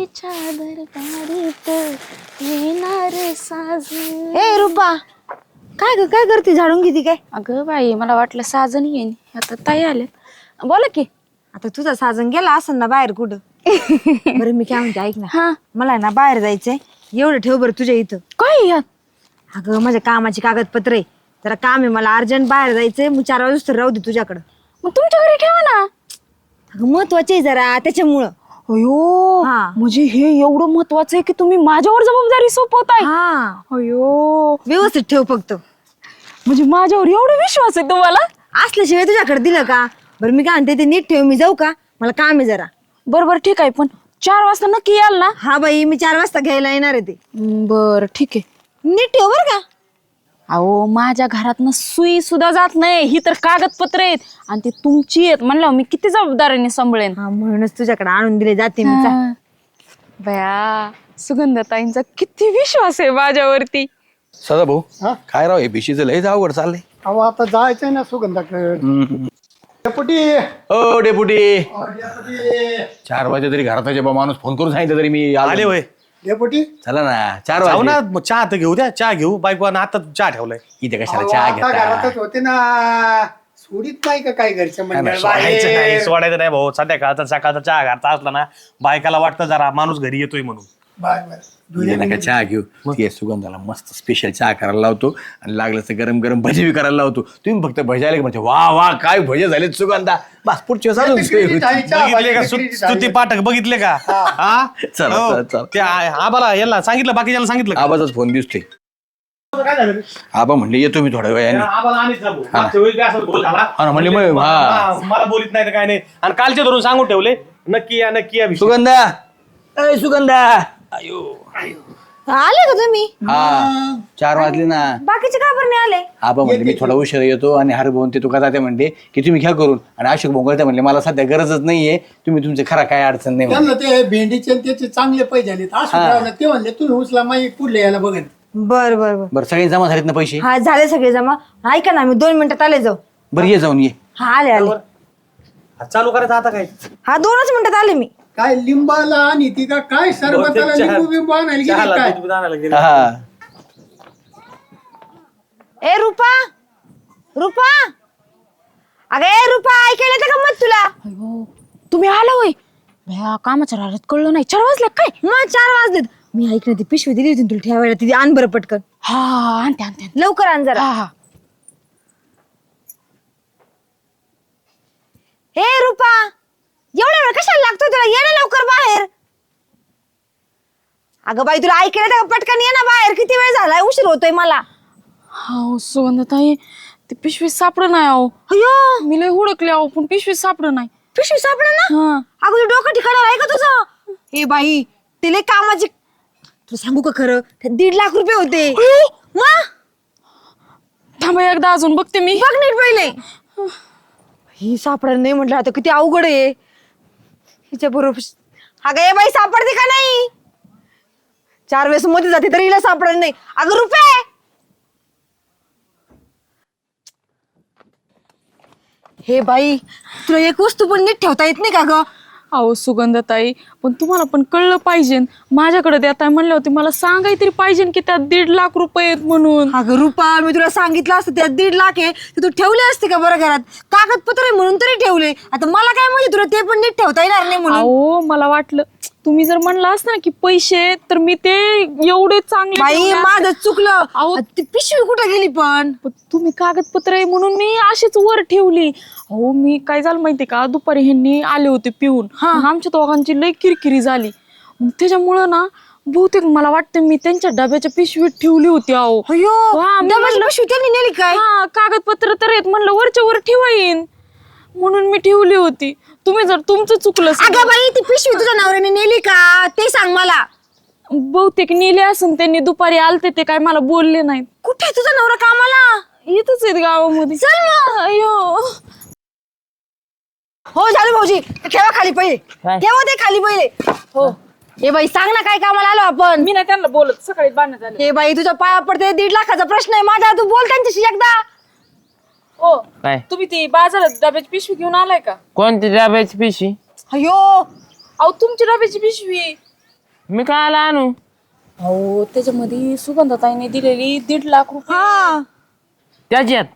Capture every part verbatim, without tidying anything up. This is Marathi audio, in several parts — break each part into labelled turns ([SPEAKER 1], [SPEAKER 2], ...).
[SPEAKER 1] प्रेमाच्या दरबारीत येणार साजन.
[SPEAKER 2] ए रुपा, काय ग काय करते? झाडून घेते काय?
[SPEAKER 1] अगं बाई, मला वाटलं साजन येईन, आता ताई आले. बोला की.
[SPEAKER 2] आता तुझा साजन गेला असेल ना बाहेर कुठं? बरं मी काय म्हणते ऐक ना,
[SPEAKER 1] हा,
[SPEAKER 2] मला आहे ना बाहेर जायचंय, एवढं ठेव बरं तुझ्या इथं.
[SPEAKER 1] काय यात?
[SPEAKER 2] अगं माझ्या कामाची कागदपत्र आहे, जरा काम आहे मला अर्जंट बाहेर जायचंय, मग चार वाजता राहू दे तुझ्याकडं.
[SPEAKER 1] मग तुमच्या घरी ठेवा ना.
[SPEAKER 2] अगं महत्वाचे आहे जरा त्याच्यामुळं.
[SPEAKER 1] अयो,
[SPEAKER 2] हा.
[SPEAKER 1] म्हणजे हे एवढं महत्वाचं आहे की तुम्ही माझ्यावर जबाबदारी सोपवताय.
[SPEAKER 2] हा,
[SPEAKER 1] अयो,
[SPEAKER 2] व्यवस्थित ठेव फक्त.
[SPEAKER 1] म्हणजे माझ्यावर एवढा विश्वास आहे तुम्हाला?
[SPEAKER 2] असल्याशिवाय तुझ्याकडे दिलं का? बरं मी काय म्हणते ते नीट ठेव, मी जाऊ का? मला काम आहे जरा.
[SPEAKER 1] बरोबर, ठीक आहे, पण चार वाजता नक्की याल ना?
[SPEAKER 2] हा बाई, मी चार वाजता घ्यायला येणार आहे ते.
[SPEAKER 1] बर, ठीक आहे.
[SPEAKER 2] नीट ठेव बरं का.
[SPEAKER 1] अहो, माझ्या घरातनं सुई सुद्धा जात नाही, ही तर कागदपत्र आहेत आणि ती तुमची आहेत म्हणल्यावर मी किती जबाबदारीने सांभाळेन.
[SPEAKER 2] हा, म्हणूनच तुझ्याकडे आणून दिले जाते मी. जा.
[SPEAKER 1] हा. बया, सुगंधताईंचा किती विश्वास आहे माझ्यावरती.
[SPEAKER 3] सदा भाऊ
[SPEAKER 4] हा?
[SPEAKER 3] काय राव हे भिशीचं लयच अवघड चाललंय.
[SPEAKER 4] अहो आता जायचंय ना सुगंधाकडे. डेपुटी
[SPEAKER 3] ओ डेपुटी,
[SPEAKER 4] डेपुटी
[SPEAKER 3] चार वाजे तरी घरात बा माणूस फोन करून सांगितलं तरी मी आलो.
[SPEAKER 5] आले होय.
[SPEAKER 4] डेपुटी
[SPEAKER 3] चला ना, चार
[SPEAKER 5] जाऊ
[SPEAKER 3] वाजले
[SPEAKER 5] ना, मग चहा तर घेऊ द्या. चहा घेऊ. बायको आता चहा ठेवलाय.
[SPEAKER 3] इथे कशाला
[SPEAKER 4] अहो,
[SPEAKER 3] चहा
[SPEAKER 4] आता
[SPEAKER 3] घेता?
[SPEAKER 4] घरातच होते ना, सोडीत नाही का काय घरच्या
[SPEAKER 5] नाही, नाही,
[SPEAKER 4] मंडळ
[SPEAKER 5] सोडायचं नाही
[SPEAKER 4] बाहेर?
[SPEAKER 5] सोडायचं नाही भाऊ. संध्याकाळचा सकाळचा चहा घालता असला ना, बायकाला वाटतं जरा माणूस घरी येतोय म्हणून.
[SPEAKER 4] Bye, bye.
[SPEAKER 3] इथे नका चहा घेऊ. ते सुगंधाला मस्त स्पेशल चहा करायला लावतो आणि लागलं तर गरम गरम भजी बी करायला लावतो. तुम्ही फक्त भजी आले की म्हणजे वा वा काय भजे झाले सुगंधा. बस पुढच्या वेळेस अजून सोय होती.
[SPEAKER 4] चहा
[SPEAKER 5] बघितले का
[SPEAKER 4] पाहिजे,
[SPEAKER 5] स्तु-
[SPEAKER 4] खिचडी
[SPEAKER 5] स्तुती पाठक बघितले का? हा?
[SPEAKER 3] चला,
[SPEAKER 5] हो.
[SPEAKER 3] चला, चला.
[SPEAKER 5] ते आ- आबाला याला सांगितलं, बाकीच्याला सांगितलं का?
[SPEAKER 3] आबाचाच फोन दिसतोय.
[SPEAKER 4] काय झालं?
[SPEAKER 3] आबा म्हणले येतो मी थोड्या वेळाने.
[SPEAKER 5] आबाला आणीच ना भाऊ. मागच्या वेळी बी असंच बोल झाला.
[SPEAKER 3] हा ना, म्हणले मग हा
[SPEAKER 5] हा, मला बोलित नाही तर काय नाही. आणि कालचे धरून सांगून ठेवले, नक्की या नक्की या विषय.
[SPEAKER 3] सुगंधा, अय सुगंधा. अयो
[SPEAKER 2] आले का तुम्ही?
[SPEAKER 3] हा, चार वाजले ना.
[SPEAKER 2] बाकीचे का बरं नाही आले?
[SPEAKER 3] आबा म्हणले मी थोडा उशीर येतो आणि हर भाऊन ते तुका जाते म्हणले की तुम्ही घ्या करून. आणि अशोक भोंगळते म्हणले मला सध्या गरजच नाहीये, तुम्ही तुमचे खरा काय अडचण नाही म्हणले.
[SPEAKER 4] त्यांना ते भेंडीचे आणि त्याचे चांगले पैसे झाले. असं राहिलं. ते म्हणले तुम्ही उचला माई पुढले यायला बघेन.
[SPEAKER 2] बर बर बर.
[SPEAKER 3] बरं सगळे जमा झालेत ना पैसे?
[SPEAKER 2] हा, झाले सगळे जमा. ऐका ना, मी दोन मिनिटात आले जाऊ.
[SPEAKER 3] बरं ये जाऊन ये.
[SPEAKER 2] हा, आले आले.
[SPEAKER 5] हा, चालू करायचं आता काय?
[SPEAKER 2] हा, दोनच मिनिटात आले मी.
[SPEAKER 4] काय लिंबाला आणि ती का काय सरबताला
[SPEAKER 5] चहा-
[SPEAKER 4] लिंबू बिंबू आणायला गेली
[SPEAKER 5] चहाला
[SPEAKER 4] काय?
[SPEAKER 5] दूध बीध आणायला गेले.
[SPEAKER 3] हा.
[SPEAKER 2] ए रुपा, रुपा, अगं ए रुपा, ऐकायला येतं का मत तुला?
[SPEAKER 1] अयो, तुम्ही आला होय. भया, कामाच्या राहत कळलं नाही. चार वाजले काय?
[SPEAKER 2] मग चार वाजलेत. मी ऐक ना, ती पिशवी दिली होती ना तुला ठेवायला, ती आण बरं पटकन.
[SPEAKER 1] हा, आणते आणते.
[SPEAKER 2] लवकर आण जरा.
[SPEAKER 1] हा हा.
[SPEAKER 2] ए रुपा, एवढा वेळ कशाला लागतोय तुला? ये ना लवकर बाहेर. अगं बाई, तुला ऐकायला येतं का? पटकन ये ना बाहेर. किती वेळ झालाय, उशीर होतोय मला.
[SPEAKER 1] हा, सुगंधताई, ती पिशवी सापड नाही. अहो,
[SPEAKER 2] अयो,
[SPEAKER 1] मी लय हुडकले अहो, पण पिशवी सापड नाही.
[SPEAKER 2] पिशवी सापडा ना.
[SPEAKER 1] हा.
[SPEAKER 2] अगं तू डोकं ठिकाणार आहे का तुझं? ए बाई, ते लय कामाची. तुला सांगू का खरं, ते दीड लाख रुपये होते. मग
[SPEAKER 1] थांबा, एकदा अजून बघते मी.
[SPEAKER 2] बघ नीट पहिले. ही सापडा नाही म्हटलं, आता किती अवघड आहे हिच्या बरोबर. अगं ए बाई, सापडते का नाही? चार वेळेस मध्ये जाते तरी हिला सापडत नाही. अगं रुपये, हे बाई, तुला एक वस्तू पण नीट ठेवता येत नाही का ग?
[SPEAKER 1] अहो सुगंधताई, पण तुम्हाला पण कळलं पाहिजे. माझ्याकडे देताय म्हणले होते, मला सांगाय तरी पाहिजे की त्यात दीड लाख रुपये आहेत म्हणून.
[SPEAKER 2] अगं रुपा, मी तुला सांगितलं असतं त्यात दीड लाख आहे तर तू ठेवले असते का बरं घरात? कागदपत्र आहे म्हणून तरी ठेवले. आता मला काय माहिती तुला ते पण नीट ठेवता येणार नाही म्हणून.
[SPEAKER 1] अहो, मला वाटलं तुम्ही जर म्हणला असता ना की पैसे, तर मी ते एवढे चांगले
[SPEAKER 2] बाई,
[SPEAKER 1] ठेवले असते.
[SPEAKER 2] माझं चुकलं.
[SPEAKER 1] अहो,
[SPEAKER 2] ती पिशवी कुठे गेली पण?
[SPEAKER 1] पण तुम्ही कागदपत्र आहे म्हणून मी अशीच वर ठेवली. अहो, मी काय झालं माहितीये का, दुपारी ह्यांनी आले होते पिऊन. मग आमच्या दोघांची लई किरकिरी झाली. मग त्याच्यामुळं ना बहुतेक मला वाटतं मी त्यांच्या डब्याच्या पिशवीत ठेवली होती. अहो,
[SPEAKER 2] अयो,
[SPEAKER 1] हा, मी
[SPEAKER 2] डब्याची
[SPEAKER 1] म्हणलं-
[SPEAKER 2] पिशवी त्यांनी नेली काय?
[SPEAKER 1] हा, कागदपत्र तर आहेत म्हणलं, वरच्या वर ठेवा येईन म्हणून मी ठेवली होती. तुम्ही जर तुमचं चुकलं
[SPEAKER 2] अगं बाई, ती पिशवी तुझ्या नवऱ्याने नेली का ते सांग मला.
[SPEAKER 1] बहुतेक नेले असून त्यांनी दुपारी आलते, ते काय मला बोलले नाहीत.
[SPEAKER 2] कुठे आहे तुझा नवरा कामाला?
[SPEAKER 1] येतच आहेत गावामध्ये.
[SPEAKER 2] चल मग.
[SPEAKER 1] अयो,
[SPEAKER 2] हो झालं भाऊजी, ठेवा खाली पहिले. ठेवा ते खाली पहिले. हो, हे बाई सांग ना, काय कामाला आलो आपण?
[SPEAKER 1] मी नाही त्यांना बोलत, सकाळी बांधण्यात आले.
[SPEAKER 2] हे बाई, तुझ्या पाया पडते, दीड लाखाचा प्रश्न आहे माझा, तू बोल त्यांच्याशी एकदा.
[SPEAKER 1] हो,
[SPEAKER 6] काय
[SPEAKER 1] तुम्ही ती बाजारात डब्याची पिशवी घेऊन आलाय का?
[SPEAKER 6] कोणती डब्याची पिशवी?
[SPEAKER 2] अयो,
[SPEAKER 1] अहो, तुमची डब्याची पिशवी.
[SPEAKER 6] मी काय आला आणू
[SPEAKER 1] अहो त्याच्यामध्ये सुगंधाताईने दिलेली दीड लाख रुपये.
[SPEAKER 2] हा
[SPEAKER 6] त्याच्यात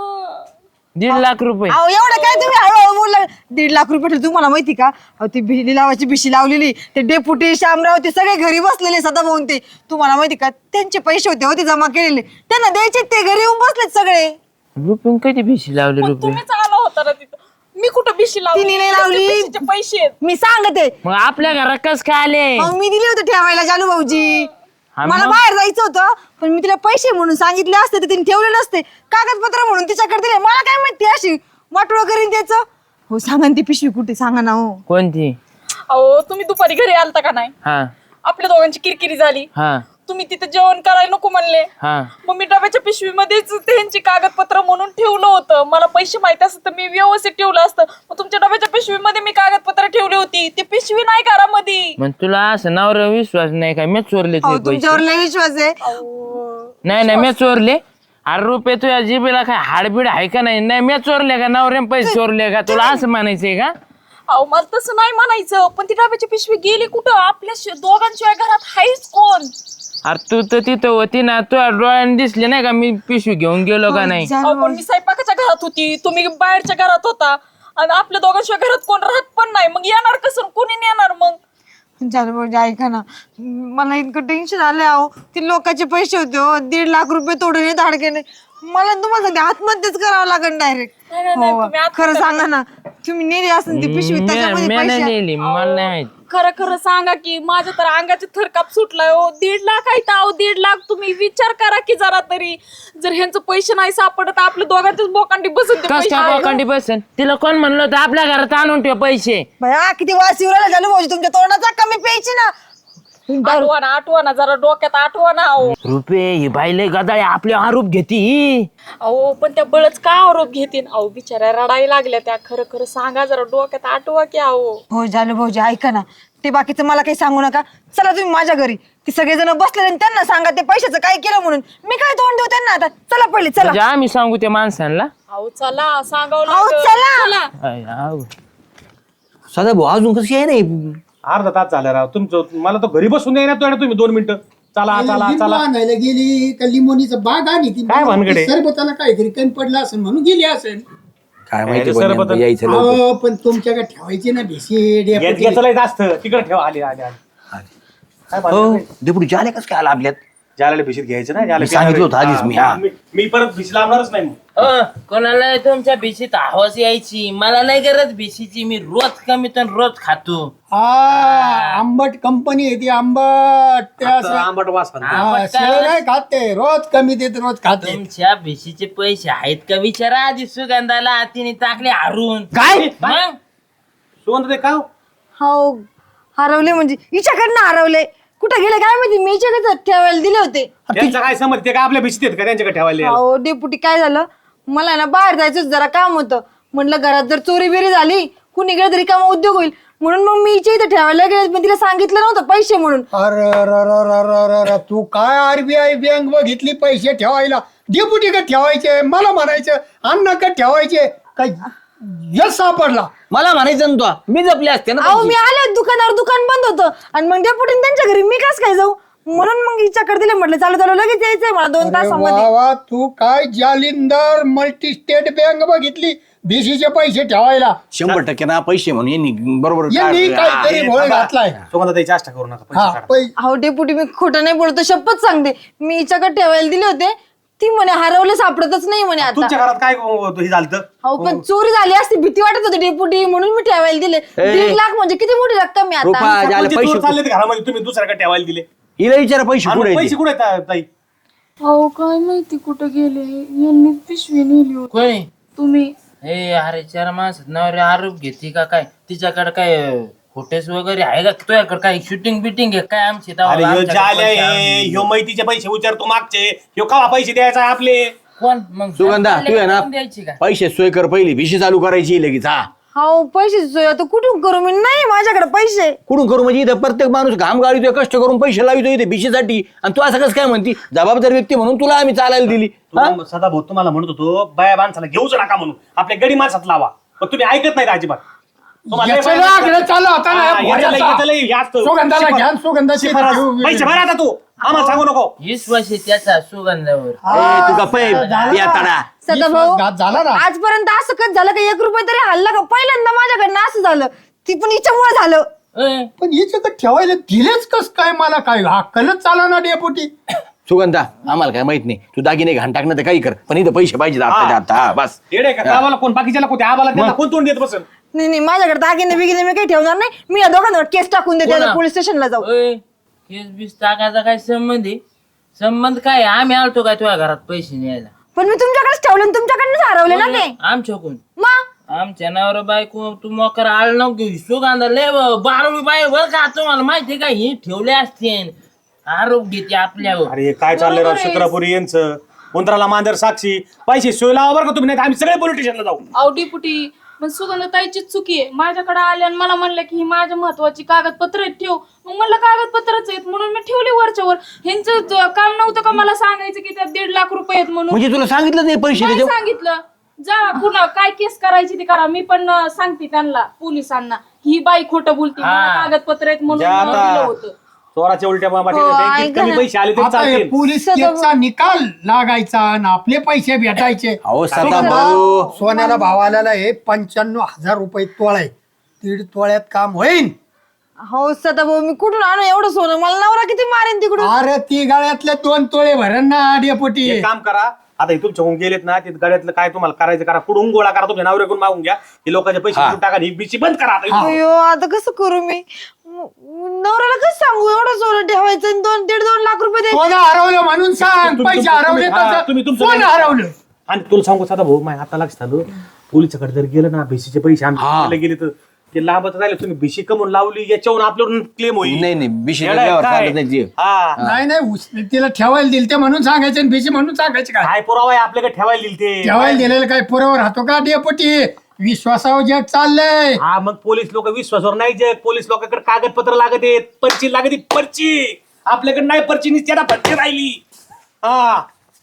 [SPEAKER 6] दीड लाख रुपये
[SPEAKER 2] अहो एवढं काय तुम्ही हळूहळू बोलला. दीड लाख रुपये ठेवले. तुम्हाला माहिती का अहो ती भिली लावायची भिशी लावलेली ते डेपुटी शामराव ते सगळे घरी बसलेले सदाभाऊन ते तुम्हाला माहिती का त्यांचे पैसे होते होते जमा केलेले त्यांना द्यायचे ते घरी येऊन बसलेत सगळे.
[SPEAKER 6] रुपये कधी भिशी लावले
[SPEAKER 1] पण
[SPEAKER 6] रुपये
[SPEAKER 1] तुम्हीच आला होता ना तिथं. मी कुठं बिशी लावली?
[SPEAKER 2] तिने नाही लावली.
[SPEAKER 1] त्यांचे बिशीचे पैसे आहेत.
[SPEAKER 2] मी सांगते
[SPEAKER 6] मग आपल्या घरात कस काय आले
[SPEAKER 2] अहो, मी दिले होते ठेवायला जालू भाऊजी.
[SPEAKER 6] हा
[SPEAKER 2] मला
[SPEAKER 6] मग?
[SPEAKER 2] बाहेर जायचं होतं पण मी तिला पैसे म्हणून सांगितले असते तर तिने ठेवले नसते. कागदपत्र म्हणून तिच्याकडे दिले. मला काय माहिती अशी वाटोळ करीन त्याचं. हो सांगा ना ती पिशवी कुठे सांगा ना हो.
[SPEAKER 6] कोणती
[SPEAKER 1] अहो तुम्ही दुपारी घरी आलता का नाही?
[SPEAKER 6] हा
[SPEAKER 1] आपल्या दोघांची किरकिरी झाली.
[SPEAKER 6] हा
[SPEAKER 1] तुम्ही तिथे जेवण करायला नको म्हणले.
[SPEAKER 6] हा
[SPEAKER 1] मग मी डब्याच्या पिशवीमध्येच त्यांची कागदपत्र म्हणून ठेवलं होतं. मला पैसे माहिती असत तर मी व्यवस्थित ठेवलं असतं. मग तुमच्या डब्याच्या पिशवीमध्ये मी कागदपत्र ठेवली होती. ती पिशवी नाही घरामध्ये.
[SPEAKER 6] मग तुला असं नवरा विश्वास नाही का मी चोरले
[SPEAKER 2] अहो
[SPEAKER 6] तुझे पैसे
[SPEAKER 2] तुमच्यावर लय विश्वास आहे.
[SPEAKER 6] नाही नाही मी चोरले अरे रुपये तुझ्या जिबेला काय हाडबीड आहे का नाही नाही मी चोरले का नवरे पैसे चोरले का तुला असं म्हणायचंय का
[SPEAKER 1] अहो मला तसं नाही म्हणायचं पण ती डब्याची पिशवी गेली कुठं? आपल्या शि- दोघांशिवाय घरात हायच कोण?
[SPEAKER 6] अरे तू तर तिथं होती ना तुझ्या डोळ्याने दिसले नाही का मी पिशवी घेऊन गेलो का नाही
[SPEAKER 2] जालू
[SPEAKER 1] अहो, पण मी स्वयंपाकाच्या घरात होती. तुम्ही बाहेरच्या घरात होता आणि आपल्या दोघांशिवाय घरात कोण राहत पण नाही. मग येणार कसं? कोणी येणार मग?
[SPEAKER 2] जालू भाऊजी ऐका ना मला इतकं टेन्शन आलंय. अहो ते लोकांचे पैसे होते हो दीड लाख रुपये तोडून धाडकेने. मला तुम्हाला सांगते आत्महत्याच करावं लागेल डायरेक्ट.
[SPEAKER 1] नाही, नाही, नाही,
[SPEAKER 2] हो
[SPEAKER 1] तुम्ही आत्महत्या
[SPEAKER 2] खरं सांगा ना तुम्ही नेली असेल ती पिशवी
[SPEAKER 6] मी
[SPEAKER 2] त्याच्यामध्ये
[SPEAKER 6] मी नाही
[SPEAKER 2] पैसे
[SPEAKER 6] नेली मला नाही माहित
[SPEAKER 1] खरं खरं सांगा की माझ्या तर अंगाचे थरकाप सुटलाय हो. दीड लाख आहे अहो दीड लाख. तुम्ही विचार करा की जरा तरी. जर ह्यांचं पैसे नाही सापडत आपल्या दोघांच्याच बोकांडी बसून ते
[SPEAKER 6] कस
[SPEAKER 1] पैसे
[SPEAKER 6] काय
[SPEAKER 1] आहे.
[SPEAKER 6] बोकांडी बसन तिला कोण म्हणलं होतं आपल्या घरात आणून ठेव पैसे
[SPEAKER 2] भया किती वास येऊ राहिला जालू भाऊजी तुमच्या तोंडाचा कमी प्यायची ना.
[SPEAKER 1] आठवा ना आठवा ना जरा डोक्यात आठवा ना अहो.
[SPEAKER 6] रुपये ही बाईले गदाळे आपले आरोप घेती
[SPEAKER 1] अहो पण त्या बळच का आरोप घेतील? अहो बिचाऱ्या रडाई लागल्या त्या. खरं खरं सांगा जरा डोक्यात आठवा की अहो.
[SPEAKER 2] हो जालू भाऊजी ऐका ना ते बाकीचं मला काही सांगू नका. चला तुम्ही माझ्या घरी ते सगळेजण बसलेले आणि त्यांना सांगा ते पैशाचं काय केलं म्हणून. मी काय तोंड देऊ त्यांना आता. चला पहिले चला.
[SPEAKER 6] म्हणजे आम्ही सांगू त्या माणसांना
[SPEAKER 1] अहो चला सांगावं
[SPEAKER 2] अहो,
[SPEAKER 1] लागेल.
[SPEAKER 2] चला.
[SPEAKER 1] चला
[SPEAKER 6] अय, आव.
[SPEAKER 3] सदा भाऊ अजून कशी आहे नाही
[SPEAKER 5] अर्धा तास झाला राव तुमचं मला तो घरी बसून द्याय ना तो तुम्ही दोन मिनिटं चला चला
[SPEAKER 4] लिंबू
[SPEAKER 5] चला
[SPEAKER 4] आणायला गेली का लिंबोनीचं बाग आणि ती
[SPEAKER 5] काय भानगड आहे?
[SPEAKER 4] सरबताला काहीतरी कमी पडलं असेल म्हणून गेली असेल.
[SPEAKER 3] काय माहिती
[SPEAKER 5] अरे सरबत-
[SPEAKER 3] पण यायचं लवकर.
[SPEAKER 4] अहो पण तुमच्याकडे ठेवायची ना भिशी
[SPEAKER 5] घेत घेतलंय जास्त तिकडे ठेवा आले आले आले काय
[SPEAKER 3] हो
[SPEAKER 5] भानगड आहे?
[SPEAKER 3] डेपुटी झाले कसं काय आला आपल्यात
[SPEAKER 5] ज्याला भीशीत घ्यायचं ना ज्याला
[SPEAKER 3] मी सांगितलं होतं आधीच मी, हा.
[SPEAKER 5] मी मी परत भीशी लावणारच नाही मग.
[SPEAKER 6] अ, कोणाला तुमच्या भिशीत हवस यायची मला नाही गरज भिशीची मी रोज कमी तर रोज खातो
[SPEAKER 4] हा आंबट कंपनी आहे ती आंबट ते
[SPEAKER 5] आता
[SPEAKER 4] असं
[SPEAKER 5] आंबट वास पण.
[SPEAKER 4] हा,
[SPEAKER 6] आंबट काय?
[SPEAKER 4] शेळ नाही खाते रोज कमी देत रोज खाते.
[SPEAKER 6] तुमच्या भिशीचे पैसे आहेत का विचारा आधी सुगंधाला तिने टाकले हारून
[SPEAKER 3] काय?
[SPEAKER 6] मग
[SPEAKER 5] सुगंध ते काय हो?
[SPEAKER 2] हो हरवले म्हणजे हिच्याकडनं हरवले. कुठे गेले काय माहिती. मी हिच्याकडे ठेवायला दिले होते.
[SPEAKER 5] त्यांचं काय समज ते काय आपल्या भीशीत आहेत का त्यांच्याकडे ठेवायला
[SPEAKER 2] अहो डेपुटी काय झालं मला ना बाहेर जायचं होतं, जरा काम होतं. म्हटलं घरात जर चोरी बिरी झाली कुणी गेलं तरी कामा उद्योग होईल म्हणून मग मी हिच्या इथे ठेवायला गेले. पण तिला सांगितलं नव्हतं पैसे म्हणून.
[SPEAKER 4] अरे र र र र र र, तू काय आरबीआय बँक बघितली पैसे ठेवायला डेपुटी का ठेवायचे मला म्हणायचं अण्णा का ठेवायचे काय यश सापडला.
[SPEAKER 3] मला म्हणायचं ना तो मी जपले असते ना
[SPEAKER 2] अहो मी आले दुकानावर दुकान बंद होतं आणि मग डेपुटीने त्यांच्या घरी मी कस काय जाऊ म्हणून मग हिच्याकडे दिले. म्हटलं चालू चालू लगेच यायचंय मला दोन
[SPEAKER 4] अरे
[SPEAKER 2] तासामध्ये.
[SPEAKER 4] वा वा, तू काय जालिंदर मल्टी स्टेट बँक बघितली बीसीचे पैसे ठेवायला.
[SPEAKER 3] शंभर टक्के ना पैसे म्हणून यांनी बरोबर
[SPEAKER 4] यांनी
[SPEAKER 3] काढले.
[SPEAKER 4] काहीतरी भोळ घातलाय.
[SPEAKER 5] सुगंध त्याची आष्टा करू नका पैसे
[SPEAKER 4] हा
[SPEAKER 5] काढा.
[SPEAKER 4] पै-
[SPEAKER 2] अहो डेपुटी मी खोटं नाही बोलतो शपथ सांगते. मी हिच्याकडे ठेवायला दिले होते. ती म्हणे हरवले सापडतच नाही म्हणे आता.
[SPEAKER 5] तुमच्या घरात काय अं, हे झालं
[SPEAKER 2] अहो पण चोरी झाली असती भीती वाटत होती डेपुटी म्हणून मी ठेवायला दिले. दीड लाख म्हणजे किती मोठी रक्कम आहे
[SPEAKER 3] रुपा
[SPEAKER 2] आता.
[SPEAKER 3] ज्याला
[SPEAKER 5] म्हणजे
[SPEAKER 3] पैसे
[SPEAKER 5] चोर चालले ते घरामध्ये तुम्ही दुसऱ्याकडे ठेवायला दिले
[SPEAKER 3] हिला विचारा पैसे
[SPEAKER 5] आणि
[SPEAKER 3] कुठे
[SPEAKER 5] पैसे कुठे आहेत, ताई
[SPEAKER 1] अहो काय माहिती कुठं गेले. यांनी पिशवी नेली होती.
[SPEAKER 6] कोणी
[SPEAKER 1] तुम्ही
[SPEAKER 6] हे अरे चार माणसात नवरे आरोप घेते का काय तिच्याकडे काय फोटेज वगैरे आहे का तुझ्याकडे काय शूटिंग बिटिंग आहे काय आमची तेव्हा
[SPEAKER 5] अरे ह्यो
[SPEAKER 6] आमच्याकडे
[SPEAKER 5] जाल्या
[SPEAKER 6] पैसे
[SPEAKER 5] आहे,
[SPEAKER 6] आणून
[SPEAKER 5] ह्यो मैतीचे पैसे उचारतो मागचे ह्यो कवा पैसे द्यायचा आहे आपले.
[SPEAKER 6] कोण मग
[SPEAKER 3] सुगंधा तू आहे ना
[SPEAKER 6] कोण द्यायची का
[SPEAKER 3] पैसे सोय कर पहिली भिशी चालू करायची लगेच. हा
[SPEAKER 2] हो पैसे सोय आता कुठून करू मी. नाही माझ्याकडे पैसे.
[SPEAKER 3] कुठून करू म्हणजे इथं प्रत्येक माणूस घाम गाळीतोय कष्ट करून पैसे लावितो इथे भिशीसाठी आणि तू असं कसं काय म्हणती जबाबदार व्यक्ती म्हणून तुला आम्ही चालायला दिली. हा?
[SPEAKER 5] तुला सदा भाऊ तुम्हाला म्हणत होतो बाया माणसाला घेऊच नका म्हणून आपल्या गडी माणसात लावा पण तुम्ही ऐकत नाही अजिबात. तुम्हाला
[SPEAKER 4] याचं
[SPEAKER 5] लय
[SPEAKER 4] ना
[SPEAKER 5] माहिती-
[SPEAKER 4] आकडे चालू होता ना
[SPEAKER 5] हा,
[SPEAKER 4] या
[SPEAKER 5] याचं लय-
[SPEAKER 4] भोऱ्याचा.
[SPEAKER 5] याचं लय जास्त.
[SPEAKER 4] सुगंधाला
[SPEAKER 5] शिफारस.
[SPEAKER 4] घ्या सुगंधाची
[SPEAKER 5] शिफारस. पैसे भर आता तू आम्हाला सांगू नको.
[SPEAKER 6] विश्वास आहे त्याचा सुगंधावर
[SPEAKER 3] ए, तू का पै या तडा
[SPEAKER 2] सदाभाऊ
[SPEAKER 4] विश्वासघात झाला ना
[SPEAKER 2] आजपर्यंत असं कच झालं का एक रुपये तरी हल्ला का पहिल्यांदा माझ्याकडनं असं झालं ती पण हिच्यामुळे झालं
[SPEAKER 6] ए,
[SPEAKER 4] पण हिचं का ठेवायला दिलेच कस काय मला काय हक्कलच चाला ना डेपुटी
[SPEAKER 3] सुगंधा आम्हाला काय माहित नाही तू दागिने घाण टाकणं तर काही कर पण इथं पैसे पाहिजे आता आता हा, बस
[SPEAKER 5] येडे का आम्हाला कोण बाकीच्याला कोणते आम्हाला त्यांना कोण तोंड देत बसन.
[SPEAKER 2] नाही नाही माझ्याकडे दागिने बिगिने मी काही ठेवणार नाही मी या दोघांवर केस टाकून देते
[SPEAKER 6] कोणा?
[SPEAKER 2] पोलीस स्टेशनला जाऊ
[SPEAKER 6] ओय, केस बीस टाकायचा काय संबंध आहे संबंध काय आहे? आम्ही आलतो काय तुझ्या घरात पैसे न्यायला
[SPEAKER 2] पण मी तुमच्याकडेच ठेवले आणि तुमच्याकडनंच हरवले ना ते
[SPEAKER 6] आमच्याकडून
[SPEAKER 2] मग
[SPEAKER 6] आमच्या नवरा बायको तू मोकर आळ नको सुगंधा लय बारावी बाय बर का तुम्हाला माहिती का ही ठेवले असते आरोप घेते आपल्यावर
[SPEAKER 5] अरे काय चाललंय राव शुक्रापुरी यांचं उंदराला मांजर साक्षी पैसे सोय लावा बरं का तुम्ही नाही तर आम्ही सगळे पोलीस स्टेशनला जाऊ.
[SPEAKER 1] अहो डिपुटी पण सुगंधताईचीच चुकी आहे माझ्याकडे आले आणि मला म्हणलं की ही माझ्या महत्वाची कागदपत्र आहेत ठेव मग म्हणलं कागदपत्रच आहेत म्हणून मी ठेवली वरच्या वर ह्यांचं ज- काम नव्हतं का मला सांगायचं की त्यात दीड लाख रुपये आहेत म्हणून
[SPEAKER 3] म्हणजे तुला सांगितलं नाही पैसे
[SPEAKER 1] नाही
[SPEAKER 3] त्याच्यावर?
[SPEAKER 1] सांगितलं जा पुन्हा काय केस करायची ती करा मी पण अं, सांगते त्यांना पोलिसांना ही बाई खोटं बोलते मला
[SPEAKER 6] हा.
[SPEAKER 1] कागदपत्र आहेत म्हणून
[SPEAKER 5] ज्या
[SPEAKER 1] अं, दिलं
[SPEAKER 5] आता
[SPEAKER 1] होतं
[SPEAKER 5] चोराच्या उलट्या मामा
[SPEAKER 2] हो,
[SPEAKER 5] बँकेत
[SPEAKER 2] ऐका
[SPEAKER 5] कमी
[SPEAKER 2] ना.
[SPEAKER 5] पैसे आले तरी
[SPEAKER 4] आता हे
[SPEAKER 5] चालतील.
[SPEAKER 4] पोलीस केसचा निकाल लागायचा आणि आपले पैसे भेटायचे
[SPEAKER 3] अहो सदा भाऊ
[SPEAKER 4] सोन्याला भाव आलेला आहे पंच्याण्णव हजार रुपये तोळा आहे दीड तोळ्यात काम होईल
[SPEAKER 2] हो सदाभाऊ मी कुठून आणू एवढं सोनं मला नवरा किती मारेन तिकडून
[SPEAKER 4] अरे ती गळ्यातले दोन तोळे भरण ना डेपुटी
[SPEAKER 5] एक काम करा आता हे तुमच्याकडून गेलेत ना ते गड्यातलं काय तुम्हाला करायचं करा कुठून गोळा करा तुमच्या नवऱ्याकडून मागून घ्या हे लोकांचे पैसे
[SPEAKER 3] हा.
[SPEAKER 5] कुठून टाका ही बिची बंद करा आता इथून.
[SPEAKER 2] अयो आता कसं करू मी म- नवऱ्याला कसं सांगू एवढं सोनं ठेवायचं आणि दोन दीड दोन लाख रुपये द्यायचे
[SPEAKER 4] सोनं हरवलं म्हणून सांग
[SPEAKER 5] तुम्ही-
[SPEAKER 4] पैसे
[SPEAKER 5] तुम्ही-
[SPEAKER 4] हरवले
[SPEAKER 5] हा,
[SPEAKER 4] तसं
[SPEAKER 5] तुम्ही तुमचं
[SPEAKER 4] सोनं
[SPEAKER 5] नाही-
[SPEAKER 4] हरवलं
[SPEAKER 5] आणि तुला सांगू साधा भाऊ माय आता लक्षात आलं पोलिसाकडे जर गेलं ना भिशीचे पैसे
[SPEAKER 3] हा.
[SPEAKER 5] आम्ही गेले तर ते लांबच राहिले तुम्ही भिशी कमवून लावली याच्यावरून आपल्यावरून क्लेम होईल
[SPEAKER 3] नाही नाही विषय
[SPEAKER 5] येडा आहे
[SPEAKER 3] त्याच्यावर
[SPEAKER 5] काय?
[SPEAKER 3] चालत नाही जी.
[SPEAKER 5] हा.
[SPEAKER 4] नाही नाही उस- तिला ठेवायला दिल ते म्हणून सांगायचे आणि भिशी म्हणून सांगायचे काय
[SPEAKER 5] काय पुरावा आहे आपल्याकडे ठेवायला दिल ते
[SPEAKER 4] ठेवायला दिलेलं काय पुरावर राहतो का डेपुटी विश्वासावर जग चाललंय
[SPEAKER 5] हा मग पोलीस लोक विश्वासावर नाही जग पोलीस लोकांकडे कागदपत्र लागत आहेत पर्ची लागत आहे, पर्ची आपल्याकडे नाही पर्ची निश्चित पर्ची राहिली हा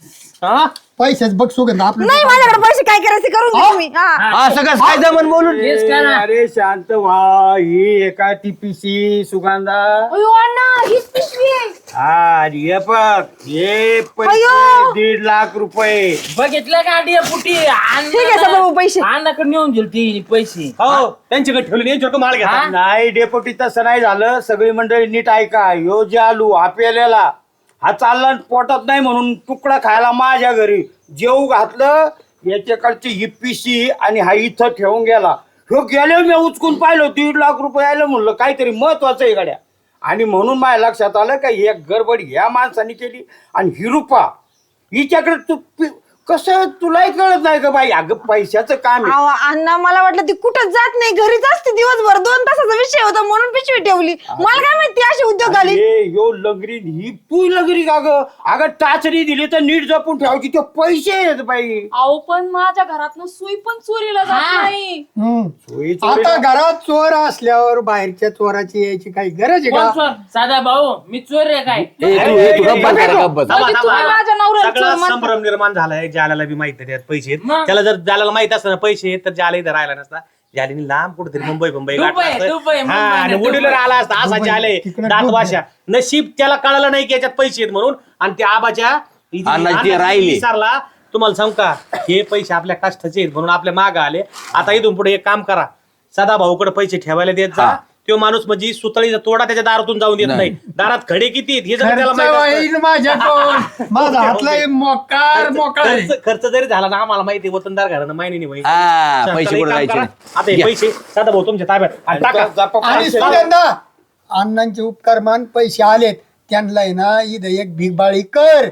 [SPEAKER 5] हा
[SPEAKER 4] पैसेच बघ सुगंध आपलं
[SPEAKER 2] नाही माझ्याकडे पैसे काय करायचे करून घ्या तुम्ही हा
[SPEAKER 3] असं कसं काय जमन बोलून
[SPEAKER 6] केस करा
[SPEAKER 7] अरे शांत व्हा ही एका टीपीसी सुगंधा
[SPEAKER 1] अयो अण्णा हीच पिशवी आहे
[SPEAKER 7] हा ये बघ हे पैसे
[SPEAKER 2] अयो.
[SPEAKER 7] दीड लाख रुपये
[SPEAKER 6] बघितलं का डिया पुटी
[SPEAKER 2] ठीक आहे सदाभाऊ पैसे
[SPEAKER 6] अण्णाकडे नेऊन दिल ती पैसे
[SPEAKER 5] हो त्यांच्याकडे ठेवले यांच्याकडे माल घ्या
[SPEAKER 6] हा?
[SPEAKER 7] नाही डेपोटी तसं नाही झालं सगळी मंडळी नीट ऐका ह्यो जे आलू हा पेलेला हा चालला पोटात नाही म्हणून तुकडा खायला माझ्या घरी जेऊ घातलं याच्याकडची ही पिशी आणि हा इथं ठेवून गेला ह्यो गेले मी उचकून पाहिलं दीड लाख रुपये आलं म्हणलं काहीतरी महत्वाचं आहे गाड्या आणि म्हणून माझ्या लक्षात आलं का एक गडबड ह्या माणसाने केली आणि ही रुपा हिच्याकडे तू पि- कसं तुलाही कळत नाही का बाई अगं पैशाचं काम आहे
[SPEAKER 2] अहो, अण्णा मला वाटलं ती कुठंच जात नाही घरीच असते दिवसभर दोन तासाचा विषय होता म्हणून पिशवी ठेवली मला काय माहिती अशी उद्योग आली
[SPEAKER 7] अरे, यो लगरी ही तू लगरी का ग अगं टाचरी दिली तर नीट जपून ठेवायची ते पैसे आहेत बाई
[SPEAKER 1] अहो पण माझ्या घरातनं सुई पण चोरीला जात नाही
[SPEAKER 4] हम्म.
[SPEAKER 7] सोयी चोरी-
[SPEAKER 4] आता घरात चोर असल्यावर बाहेरच्या चोराची यायची काही गरज आहे
[SPEAKER 6] कोण
[SPEAKER 4] का
[SPEAKER 6] चोर? साधा भाऊ मी चोर रे काय
[SPEAKER 3] ए, तू ए, तू गप्प बस जरा, गप्प बस.
[SPEAKER 5] थांबा,
[SPEAKER 1] म्हणजे
[SPEAKER 5] थांबा.
[SPEAKER 1] तुम्ही माझ्या नवऱ्याला
[SPEAKER 5] सगळा
[SPEAKER 1] चोर म्हणता.
[SPEAKER 5] संभ्रम निर्माण झालाय जाल्याला बी माहित त्यात पैसे आहेत.
[SPEAKER 6] मग?
[SPEAKER 5] त्याला जर जाल्याला माहित असतं ना पैसे आहेत, तर जाले इथं राहिला नसता जालीने लांब कुठेतरी मुंबई मुंबई
[SPEAKER 6] दुबई, दुबई, मुंबई
[SPEAKER 5] आणि
[SPEAKER 6] नाही,
[SPEAKER 5] वडील
[SPEAKER 6] दुबई.
[SPEAKER 5] आला असता असा
[SPEAKER 4] दुबई,
[SPEAKER 5] जाले
[SPEAKER 4] तिकडे
[SPEAKER 5] दात
[SPEAKER 4] दुबई.
[SPEAKER 5] वाशा नशीब त्याला कळालं नाही की याच्यात पैसे आहेत म्हणून आणि त्या आबाच्या इथे-
[SPEAKER 3] अण्णाची
[SPEAKER 5] अण्णाची
[SPEAKER 3] राहिली.
[SPEAKER 5] विचारला तुम्हाला सांग का हे पैसे आपल्या कष्टाचे आहेत म्हणून आपल्या माग आले आता इथून पुढे एक काम करा सदा भाऊकडे पैसे ठेवायला देत जा
[SPEAKER 3] हा.
[SPEAKER 5] तो माणूस म्हणजे सुतळीचा तोडा त्याच्या दारातून जाऊन देत
[SPEAKER 3] नाही.
[SPEAKER 5] नाही दारात खडे किती आहेत हे जर त्याला
[SPEAKER 4] खर्च
[SPEAKER 5] माहित असतं-
[SPEAKER 4] होईल माझ्याकडून माझा हातला मोकार मोकार आहे.
[SPEAKER 5] खर्च खर्च जरी झाला ना आम्हाला माहिती आहे, वतनदार घरानं माहिती नाही माहिती.
[SPEAKER 3] हा,
[SPEAKER 5] चला,
[SPEAKER 3] पैसे
[SPEAKER 5] एक
[SPEAKER 3] कुठे
[SPEAKER 5] काम
[SPEAKER 3] जायचे
[SPEAKER 5] करा.
[SPEAKER 3] नाही.
[SPEAKER 5] आता हे
[SPEAKER 3] या.
[SPEAKER 5] पैसे साधा भाऊ तुमच्या ताब्यात आणि टाका.
[SPEAKER 7] जपा-
[SPEAKER 4] आणि
[SPEAKER 7] पैसे-
[SPEAKER 4] सुगंधा अण्णांचे उपकार मान पैसे आलेत त्यांना आहे ना इथं एक भिगबाळी कर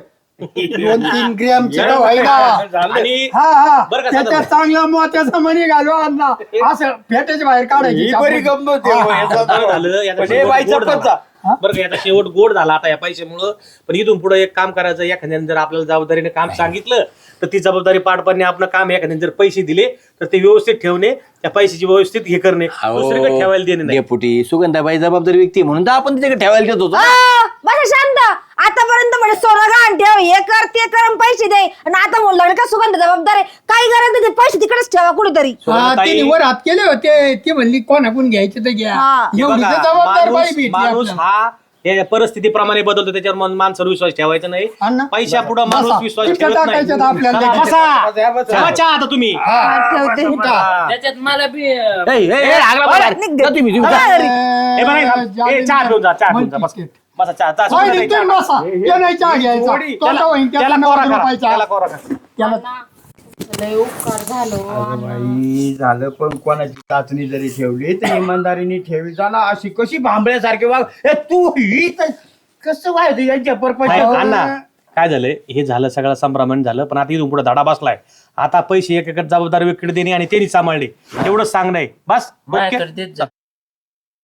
[SPEAKER 4] दोन तीन ग्रॅमचे का व्हायला
[SPEAKER 5] आणि
[SPEAKER 4] हा हा
[SPEAKER 5] बरं का,
[SPEAKER 4] त्याच्यात
[SPEAKER 5] साधा
[SPEAKER 4] चांगला मोत्याचा मणी घालवा अण्णा असं फेटाच्या बाहेर काढायची
[SPEAKER 7] ही बरी गंमत आहे हो, याचा
[SPEAKER 5] बरं झालं याचा
[SPEAKER 7] पण हे
[SPEAKER 5] शेवट
[SPEAKER 7] बाईचा
[SPEAKER 5] गोड झाला.
[SPEAKER 7] पत्ता.
[SPEAKER 5] बरं का याचा शेवट गोड झाला आता या पैशामुळं पण इथून पुढे एक काम करायचं एखाद्याने जर आपल्याला जबाबदारीने काम सांगितलं तर ती जबाबदारी पार पाडणे आपलं काम आहे. एखाद्याने जर पैसे दिले तर ते व्यवस्थित ठेवणे त्या पैशाची व्यवस्थित हे करणे दुसरीकडे ठेवायला देणे नाही
[SPEAKER 3] डेपुटी सुगंधाबाई जबाबदारी व्यक्ती आहे म्हणून तर आपण तिच्याकडे ठेवायला देत होतो
[SPEAKER 2] आ, बसा शांत आतापर्यंत म्हणजे सोनं गहाण ठेव, हे कर ते कर आणि पैसे दे, आणि आता म्हणून लागलं का सुगंध जबाबदार आहे, काही गरज नाही, ते पैसे तिकडेच ठेवा कुठेतरी.
[SPEAKER 4] हा, तिने वर हात केले होते, ती म्हणली कोणाकडून घ्यायचे तर घ्या.
[SPEAKER 2] हा.
[SPEAKER 5] हे
[SPEAKER 4] एवढी
[SPEAKER 5] बघा,
[SPEAKER 4] तर जबाबदार बाई
[SPEAKER 5] माणूस
[SPEAKER 4] भेटली
[SPEAKER 5] माणूस
[SPEAKER 4] आपल्याला.
[SPEAKER 5] हा या परिस्थितीप्रमाणे बदलतो, त्याच्यावर मन- माणसावर विश्वास ठेवायचा नाही.
[SPEAKER 4] अण्णा,
[SPEAKER 5] पैशा पुढे
[SPEAKER 4] बसा.
[SPEAKER 5] माणूस विश्वास
[SPEAKER 4] चिठ्ठ्या
[SPEAKER 5] ठेवत नाही.
[SPEAKER 4] टाकायच्यात आपल्याला.
[SPEAKER 5] चला, बसा. ठेवा चहा आता तुम्ही.
[SPEAKER 2] ठेवते.
[SPEAKER 6] त्याच्यात मला बी
[SPEAKER 3] ए, ए, ए, लागला बघा.
[SPEAKER 2] निघ दे.
[SPEAKER 3] जा तुम्ही, तुम्ही जा.
[SPEAKER 2] चला घरी.
[SPEAKER 5] हे बघा, हे- हे चहा घेऊन जा, चहा घेऊन जा, बस. बसा, चहा- चहा
[SPEAKER 4] होय,
[SPEAKER 5] सुद्धा नाही,
[SPEAKER 4] निघतोय
[SPEAKER 5] चहा.
[SPEAKER 4] बसा. ते नाही चहा घ्यायचा.
[SPEAKER 5] थोडी-
[SPEAKER 4] तोंडा
[SPEAKER 5] त्याला
[SPEAKER 4] होईन, त्याचा
[SPEAKER 5] त्याला
[SPEAKER 4] नऊ
[SPEAKER 5] कोरा करा,
[SPEAKER 4] रुपयाचा.
[SPEAKER 5] त्याला कोरा करा.
[SPEAKER 4] त्याला
[SPEAKER 1] लय उपकार झालो.
[SPEAKER 7] बाई झालं, पण कोणाची चाचणी जरी ठेवली तर इमानदारीने ठेवी जा ना. अशी कशी भांबळ्यासारखी वाग. ए, तू ही तर कसं व्हायचं यांच्या
[SPEAKER 5] नाही,
[SPEAKER 7] परपंच.
[SPEAKER 5] अण्णा काय झालंय, हे झालं सगळं संभ्रमण झालं, पण आता इथून पुढे धडा बसलाय. आता पैसे एक एक जबाबदारी व्यक्तीकडे देणे आणि त्यांनी सांभाळणे एवढंच सांगणं आहे बस. ओके?
[SPEAKER 6] माझ्याकडे देत जा.